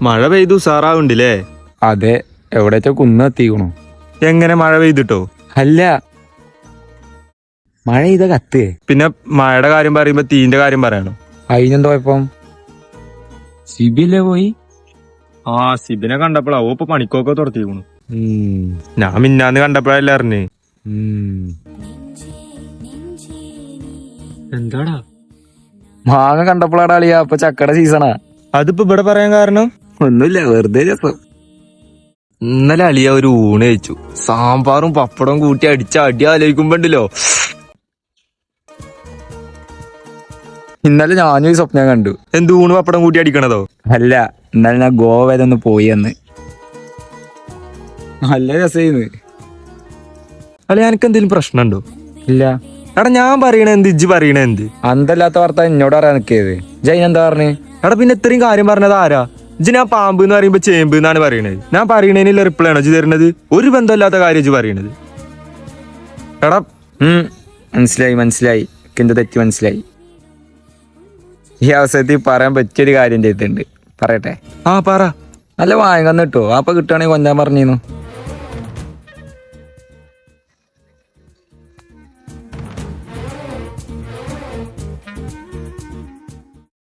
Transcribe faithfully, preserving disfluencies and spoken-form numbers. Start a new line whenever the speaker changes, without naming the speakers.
മഴ പെയ്തു ഉസാറാവുണ്ടില്ലേ?
അതെ, എവിടേറ്റോ കുന്ന് എത്തിക്കണു.
എങ്ങനെ മഴ പെയ്തിട്ടോ?
അല്ല, മഴ ചെയ്ത കത്ത്.
പിന്നെ മഴയുടെ കാര്യം പറയുമ്പോ തീന്റെ കാര്യം പറയണോ?
അതിനെന്തോ ഇപ്പം സിബിയിലെ പോയി.
ആ സിബിനെ കണ്ടപ്പോഴാ ഓ ഇപ്പൊ പണിക്കൊക്കെ തുറത്തിക്കണു.
ഉം,
ഞാൻ മിന്നാന്ന് കണ്ടപ്പോഴല്ലേ അറിഞ്ഞേ.
ഉം.
എന്താടാ
മാങ്ങ കണ്ടപ്പോഴാടാ അളിയാ അപ്പൊ ചക്കയുടെ സീസണാ.
അതിപ്പോ ഇവിടെ പറയാൻ കാരണം?
ഒന്നുമില്ല, വെറുതെ രസം.
ഇന്നലെ അളിയ ഒരു ഊണ് കഴിച്ചു. സാമ്പാറും പപ്പടവും കൂട്ടി അടിച്ച അടി ആലോചിക്കുമ്പോണ്ടല്ലോ.
ഇന്നലെ ഞാനും ഈ സ്വപ്നം കണ്ടു.
എന്ത് ഊണ് പപ്പടം കൂട്ടി അടിക്കണതോ?
അല്ല, ഇന്നലെ ഞാൻ ഗോവ വരെ ഒന്ന് പോയി എന്ന്. നല്ല രസമായിരുന്നു.
അല്ലെ എനിക്ക് എന്തെങ്കിലും പ്രശ്നമുണ്ടോ?
ഇല്ല,
എടാ ഞാൻ പറയണ എന്ത് ഇജ്ജ് പറയണ എന്ത്?
അന്തല്ലാത്ത വാർത്ത എന്നോട് അറിയാൻ നിൽക്കിയത്. ജൈൻ എന്താ പറഞ്ഞേ?
എടാ പിന്നെ ഇത്രയും കാര്യം പറഞ്ഞത് ആരാ? ഇജ്ജ് ഞാൻ പാമ്പ് എന്ന് പറയുമ്പോ ചേമ്പ് എന്നാണ് പറയണത്. ഞാൻ പറയണതിനുള്ള റിപ്ലൈ ആണോ ഇജ്ജ് തരുന്നത്? ഒരു ബന്ധമില്ലാത്ത കാര്യം ഇജ്ജ് പറയണത്. എടാ
ഉം മനസ്സിലായി മനസ്സിലായി എന്റെ തെറ്റ് മനസ്സിലായി. ഈ അവസരത്തിൽ പറയാൻ പറ്റിയൊരു കാര്യം ചെയ്തിട്ടുണ്ട്, പറയട്ടെ?
ആ പറ.
നല്ല വാങ്ങന്ന് കിട്ടുമോ? അപ്പൊ കിട്ടുകയാണെങ്കിൽ കൊഞ്ചാൻ പറഞ്ഞിരുന്നു.